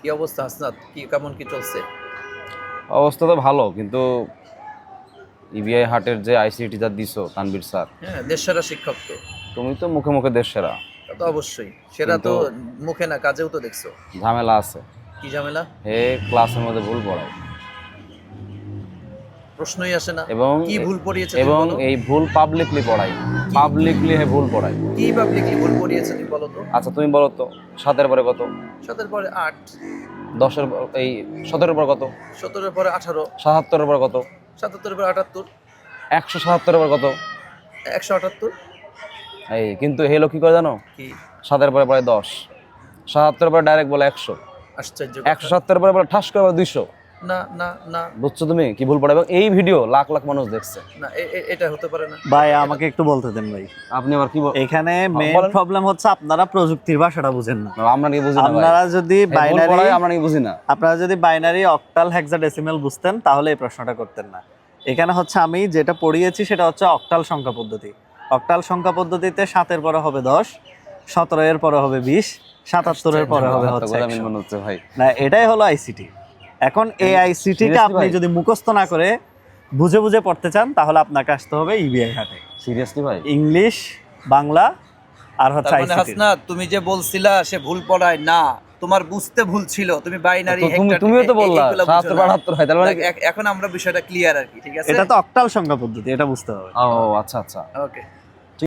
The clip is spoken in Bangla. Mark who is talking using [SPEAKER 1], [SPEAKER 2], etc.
[SPEAKER 1] কি অবস্থা হাসনাত, কি কেমন কি চলছে?
[SPEAKER 2] অবস্থা তো ভালো, কিন্তু ইবিআই হাটের যে আইসিটি যা দিছো তানভীর স্যার,
[SPEAKER 1] হ্যাঁ, দেশসেরা শিক্ষক তো।
[SPEAKER 2] তুমি তো মুখে মুখে দেশ সেরা,
[SPEAKER 1] তা তো অবশ্যই সেটা
[SPEAKER 2] কিন্তু
[SPEAKER 1] তো, মুখে না কাজেও তো দেখছো।
[SPEAKER 2] ঝামেলা আছে।
[SPEAKER 1] কি ঝামেলা?
[SPEAKER 2] হে ক্লাসের মধ্যে ভুল পড়ায়,
[SPEAKER 1] প্রশ্নই আসে না।
[SPEAKER 2] এবং
[SPEAKER 1] কি ভুল পড়িয়েছে তুমি
[SPEAKER 2] এবং
[SPEAKER 1] বলো?
[SPEAKER 2] এই ভুল পাবলিকলি পড়ায়, পাবলিকলি হে ভুল পড়ায়।
[SPEAKER 1] কি পাবলিকলি ভুল পড়িয়েছে তুমি বলো তো?
[SPEAKER 2] আচ্ছা তুমি বলো তো, 7-এর পরে কত?
[SPEAKER 1] 7-এর পরে 8,
[SPEAKER 2] 10-এর এই 17-এর পর কত?
[SPEAKER 1] 17-এর পরে 18,
[SPEAKER 2] 77-এর পর কত?
[SPEAKER 1] 77-এর পরে 78,
[SPEAKER 2] 177-এর পর কত?
[SPEAKER 1] 178।
[SPEAKER 2] এই কিন্তু হেলো কি করে জানো?
[SPEAKER 1] কি?
[SPEAKER 2] 7-এর পরে পরে 10, 77-এর পরে ডাইরেক্ট বলে 100,
[SPEAKER 1] আশ্চর্য কথা।
[SPEAKER 2] 170-এর পরে বলে ঠাস করে বলে 200।
[SPEAKER 1] না না না
[SPEAKER 2] বুঝছো তুমি কি ভুল পড়ে? এবং এই ভিডিও লাখ লাখ মানুষ দেখছে।
[SPEAKER 1] না, এটা হতে পারে না
[SPEAKER 3] ভাই আমাকে একটু বলতে দেন ভাই।
[SPEAKER 2] আপনি আবার কি
[SPEAKER 3] এখানে মেইন
[SPEAKER 2] বলেন।
[SPEAKER 3] প্রবলেম হচ্ছে আপনারা প্রযুক্তির ভাষাটা বুঝেন না।
[SPEAKER 2] আমরা নাকি বুঝি না ভাই?
[SPEAKER 3] আপনারা যদি
[SPEAKER 2] এই ভুল
[SPEAKER 3] বাইনারি
[SPEAKER 2] পড়ায় আমরা নাকি বুঝি না?
[SPEAKER 3] আপনারা যদি বাইনারি অক্টাল হেক্সাডেসিমাল বুঝতেন তাহলে এই প্রশ্নটা করতেন না। এখানে হচ্ছে আমি যেটা পড়িয়েছি সেটা হচ্ছে অক্টাল সংখ্যা পদ্ধতি। অক্টাল সংখ্যা পদ্ধতিতে 7-এর পরে হবে 10, 17-এর পরে হবে 20, 77-এর পরে হবে হচ্ছে
[SPEAKER 2] আমি
[SPEAKER 3] 100।
[SPEAKER 2] মনে হচ্ছে ভাই।
[SPEAKER 3] না, এটাই হলো আইসিটি। এখন এই আইসিটিটা
[SPEAKER 2] Seriously
[SPEAKER 3] আপনি
[SPEAKER 2] ভাই?
[SPEAKER 3] যদি মুখস্থ না করে বুঝে বুঝে পড়তে চান তাহলে আপনাকে আসতে হবে ইবিআই হাটে।
[SPEAKER 2] সিরিয়াসলি ভাই?
[SPEAKER 3] ইংলিশ, বাংলা আর হচ্ছে
[SPEAKER 1] তার মানে
[SPEAKER 3] আইসিটি।
[SPEAKER 1] হাসনাত, তুমি যে বলছিলা সে ভুল পড়ায় না, তোমার বুঝতে ভুল ছিল। তুমি বাইনারি
[SPEAKER 2] তো তুমিও তো বললা 77-72 হয়, তার মানে
[SPEAKER 1] এখন আমরা বিষয়টা ক্লিয়ার আর কি, ঠিক আছে?
[SPEAKER 3] এটা তো অক্টাল সংখ্যা পদ্ধতি, এটা বুঝতে হবে।
[SPEAKER 2] ও আচ্ছা আচ্ছা।
[SPEAKER 1] ওকে।